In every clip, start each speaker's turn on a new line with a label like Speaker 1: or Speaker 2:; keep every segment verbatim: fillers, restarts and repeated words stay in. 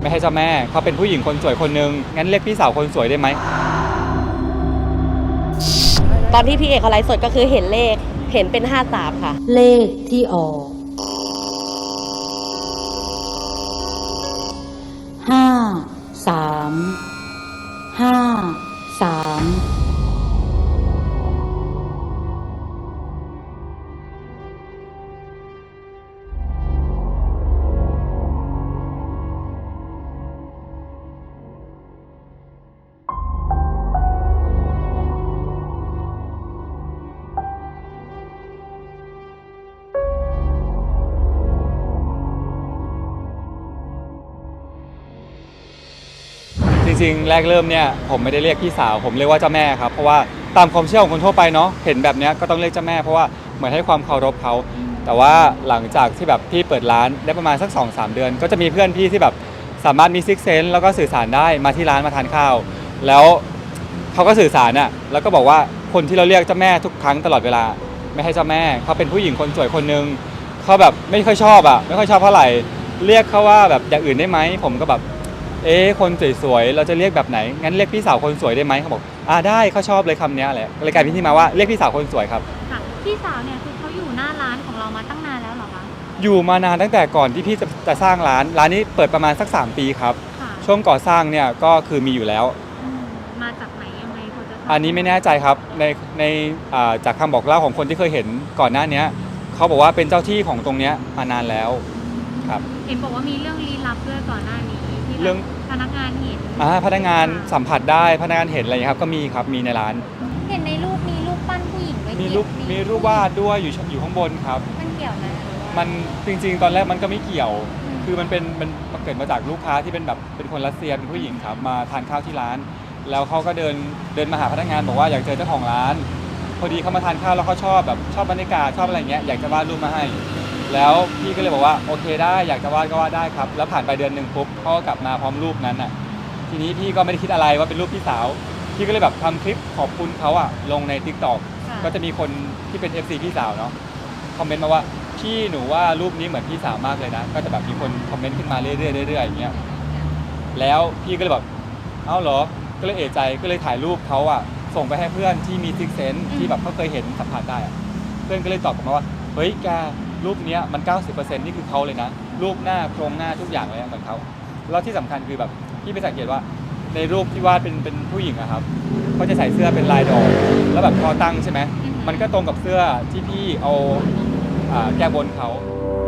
Speaker 1: ไม่ให้เจ้าแม่เขาเป็นผู้หญิงคนสวยคนนึงงั้นเรียกพี่สาวคนสวยได้ไหม
Speaker 2: ตอนที่พี่เอกเขาไลฟ์สดก็คือเห็นเลขเห็นเป็นห้าสามค่ะ
Speaker 3: เลขที่ออกห้าสามห้าสาม
Speaker 1: จริงๆแรกเริ่มเนี่ยผมไม่ได้เรียกพี่สาวผมเรียกว่าเจ้าแม่ครับเพราะว่าตามความเชื่อของคนทั่วไปเนาะเห็นแบบนี้ก็ต้องเรียกเจ้าแม่เพราะว่าเหมือนให้ความเคารพเขาแต่ว่าหลังจากที่แบบพี่เปิดร้านได้ประมาณสัก สองสาม เดือนก็จะมีเพื่อนพี่ที่แบบสามารถมีซิกเซนส์แล้วก็สื่อสารได้มาที่ร้านมาทานข้าวแล้วเขาก็สื่อสารอ่ะแล้วก็บอกว่าคนที่เราเรียกเจ้าแม่ทุกครั้งตลอดเวลาไม่ให้เจ้าแม่เขาเป็นผู้หญิงคนสวยคนนึงเขาแบบไม่ค่อยชอบอ่ะไม่ค่อยชอบเท่าไหร่เรียกเขาว่าแบบอย่างอื่นได้ไหมผมก็แบบเอ๊ะคนสวยๆเราจะเรียกแบบไหนงั้นเรียกพี่สาวคนสวยได้ไหมเขาบอกอ่าได้เขาชอบเลยคำนี้แหละเลยกลายเป็นที่มาว่าเรียกพี่สาวคนสวยครับ
Speaker 4: ค่ะพี่สาวเนี่ยคือเขาอยู่หน้าร้านของเรามาตั้งนานแล้วเหรอคะ
Speaker 1: อยู่มานานตั้งแต่ก่อนที่พี่จะจะสร้างร้านร้านนี้เปิดประมาณสักสามปีครับช่วงก่อสร้างเนี่ยก็คือมีอยู่แล้ว
Speaker 4: มาจากไหนยังไงพอจะ
Speaker 1: อันนี้ไม่แน่ใจครับในในจากคำบอกเล่าของคนที่เคยเห็นก่อนหน้านี้เขาบอกว่าเป็นเจ้าที่ของตรงนี้มานานแล้วครับ
Speaker 4: เห็นบอกว่ามีเรื่องลี้ลับด้วยก่อนหน้านี้ที่
Speaker 1: เรื่อง
Speaker 4: พนักงานเห็น
Speaker 1: อ่าพนักงานสัมผัสได้พนักงานเห็นอะไรครับก็มีครับมีในร้าน
Speaker 4: เห็นในรูปมีรูปปั้นผู้หญิงไว้
Speaker 1: มีรูปมีรูปวาดด้วยอยู่อยู่ข้างบนครับ
Speaker 4: มันเกี่ยวนะ
Speaker 1: มันจริงๆตอนแรกมันก็ไม่เกี่ยวคือมันเป็นมันเกิดมาจากลูกค้าที่เป็นแบบเป็นคนรัสเซียเป็นผู้หญิงครับมาทานข้าวที่ร้านแล้วเขาก็เดินเดินมาหาพนักงานบอกว่าอยากเจอเจ้าของร้านพอดีเขามาทานข้าวแล้วเขาชอบแบบชอบบรรยากาศชอบอะไรเงี้ยอยากจะวาดรูปมาให้แล้วพี่ก็เลยบอกว่าโอเคได้อยากจะวาดก็วาดได้ครับแล้วผ่านไปเดือนหนึ่งปุ๊บเขาก็กลับมาพร้อมรูปนั้นอ่ะทีนี้พี่ก็ไม่ได้คิดอะไรว่าเป็นรูปพี่สาวพี่ก็เลยแบบทำคลิปขอบคุณเขาอ่ะลงใน ติ๊กต็อก ก็จะมีคนที่เป็น เอฟ ซี พี่สาวเนาะคอมเมนต์มาว่าพี่หนูว่ารูปนี้เหมือนพี่สาวมากเลยนะก็จะแบบมีคนคอมเมนต์ขึ้นมาเรื่อยๆเรื่อยๆอย่างเงี้ยแล้วพี่ก็เลยแบบเอ้าเหรอก็เลยเอะใจก็เลยถ่ายรูปเขาอ่ะส่งไปให้เพื่อนที่มีซิกเซนส์ที่แบบเขาเคยเห็นสัมผัสได้อ่ะเพื่อนก็เลยตอบกลับมาว่าเฮ้ยแกรูปนี้มัน เก้าสิบเปอร์เซ็นต์ นี่คือเขาเลยนะรูปหน้าโครงหน้าทุกอย่างเลยเหมือนเขาแล้วที่สำคัญคือแบบพี่ไปสังเกตว่าในรูปที่วาดเป็นเป็นผู้หญิงอะครับเขาจะใส่เสื้อเป็นลายดอกแล้วแบบคอตั้งใช่ไหมมันก็ตรงกับเสื้อที่พี่เอาแก้บนเขา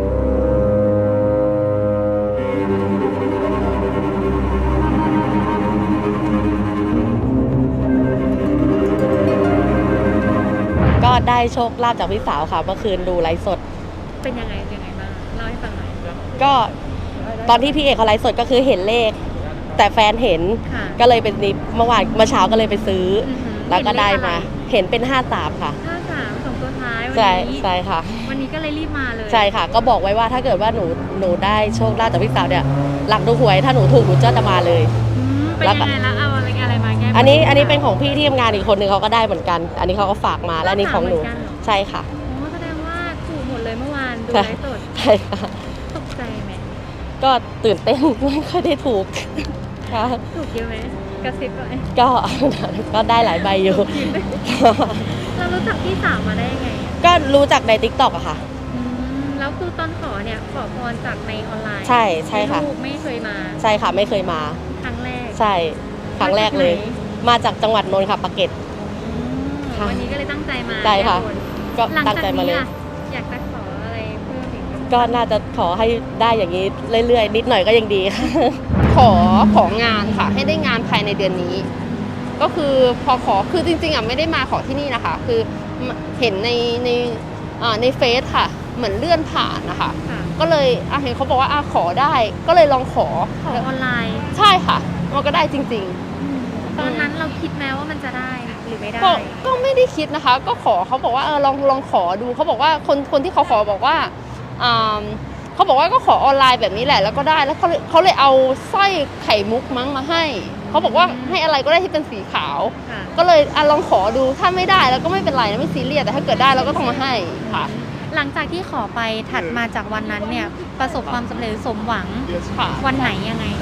Speaker 2: ก็ได้โชคลาภจากพี่สาวค่ะเมื่อคืนดูไลฟ์สด
Speaker 4: เป็นยังไงยังไงบ้างเล่าให้ฟังหน่อย
Speaker 2: ก็ตอนที่พี่เอกเขาไลฟ์สดก็คือเห็นเลขแต่แฟนเห็นก็เลยเป็นนิเมื่อวานเมื่อเช้าก็เลยไปซื้อแล้วก็ได้มาเห็นเป็นห้าสามค่ะ
Speaker 4: ห้าสามสองตัวท้ายวัน
Speaker 2: นี้ใช่ค่ะ
Speaker 4: วันนี้ก็เลยรีบมาเลย
Speaker 2: ใช่ค่ะก็บอกไว้ว่าถ้าเกิดว่าหนูหนูได้โชคลาภจากพี่สาวเนี่ยหลักดูหวยถ้าหนูถูกหนูจะมาเลย
Speaker 4: เป็นยังไงแล้วเอาอะไรอะไรมาแก้
Speaker 2: อันนี้อันนี้เป็นของพี่ที่ทำงานอีกคนนึงเขาก็ได้เหมือนกันอันนี้เขาก็ฝากมาและนี่ของหนูใช่ค่ะ
Speaker 4: โอ้แสดงว่าถูกหมดเลยเมื่อวานดูไลฟ์สด
Speaker 2: ใช่ค่ะ
Speaker 4: ตกใจไหม
Speaker 2: ก็ตื่นเต้นไม่ค่อยได้ถูกค่ะ
Speaker 4: ถูกเยอะไหมกระซิบไหม
Speaker 2: ก็ก็ได้หลายใบอยู่
Speaker 4: เรารู้จักพี่สาวมาได้ยังไง
Speaker 2: ก็รู้จักใน ติ๊กต็อก อะค่ะ
Speaker 4: แล้วคือตอนขอเนี่ยขอพรจากในออนไลน์
Speaker 2: ใช่ใช่ค่ะ
Speaker 4: ไม่เคยมา
Speaker 2: ใช่ค่ะไม่เคยมา
Speaker 4: ครั้งแรก
Speaker 2: ใช่ครั้งแรกเลยมาจากจังหวัดนนท์ค่ะปากเกร็ด
Speaker 4: วันนี้ก็เลยตั้งใจมา
Speaker 2: ใช่ค่ะก็ตั้งใจมาเลย
Speaker 4: อยากจะขออะไรเพิ่มอีก
Speaker 2: ก็น่าจะขอให้ได้อย่างนี้เรื่อยๆนิดหน่อยก็ยังดีค่ะ
Speaker 5: ขอของานค่ะให้ได้งานภายในเดือนนี้ก็คือพอขอคือจริงๆอ่ะไม่ได้มาขอที่นี่นะคะคือเห็นในในในเฟซค่ะเหมือนเลื่อนผ่านนะคะก็เลยอ่ะเห็นเขาบอกว่าอ่ะขอได้ก็เลยลองขอ
Speaker 4: ขอออนไลน์
Speaker 5: ใช่ค่ะมันก็ได้จริง
Speaker 4: ๆตอนนั้นเราคิดไหมว่ามันจะได้หรือไม่ได้
Speaker 5: ก็ไม่ได้คิดนะคะก็ขอเขาบอกว่าเออลองลองขอดูเขาบอกว่าคนคนที่เขาขอบอกว่าอ่าเขาบอกว่าก็ขอออนไลน์แบบนี้แหละแล้วก็ได้แล้วเขาเขาเลยเอาสร้อยไข่มุกมั้งมาให้เขาบอกว่าให้อะไรก็ได้ที่เป็นสีขาวก็เลยอ่ะลองขอดูถ้าไม่ได้แล้วก็ไม่เป็นไรนะไม่ซีเรียสแต่ถ้าเกิดได้เราก็ต้องมาให้ค่ะ
Speaker 4: หลังจากที่ขอไปถัดมาจากวันนั้นเนี่ยประสบความสำเร็จสมหวังวันไหนยังไง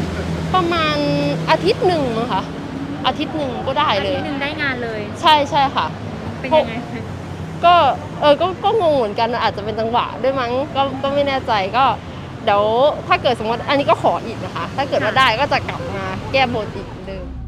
Speaker 5: ประมาณอาทิตย์หนึ่งมั้งคะอาทิตย์หนึ่งก็ได้
Speaker 4: อา
Speaker 5: เล
Speaker 4: ทิ
Speaker 5: ย
Speaker 4: ตย์หนึ่งได้งานเลย
Speaker 5: ใช่ใช่ค่ะ
Speaker 4: เป็นยังไง
Speaker 5: ก็เออก็ก็งงเหมือนกันอาจจะเป็นจังหวะด้วยมั้งก็ก็ไม่แน่ใจก็เดี๋ยวถ้าเกิดสมมติอันนี้ก็ขออีกนะคะ ถ้าเกิดว่าได้ก็จะกลับมาแก้บนอีกเหมือนเดิม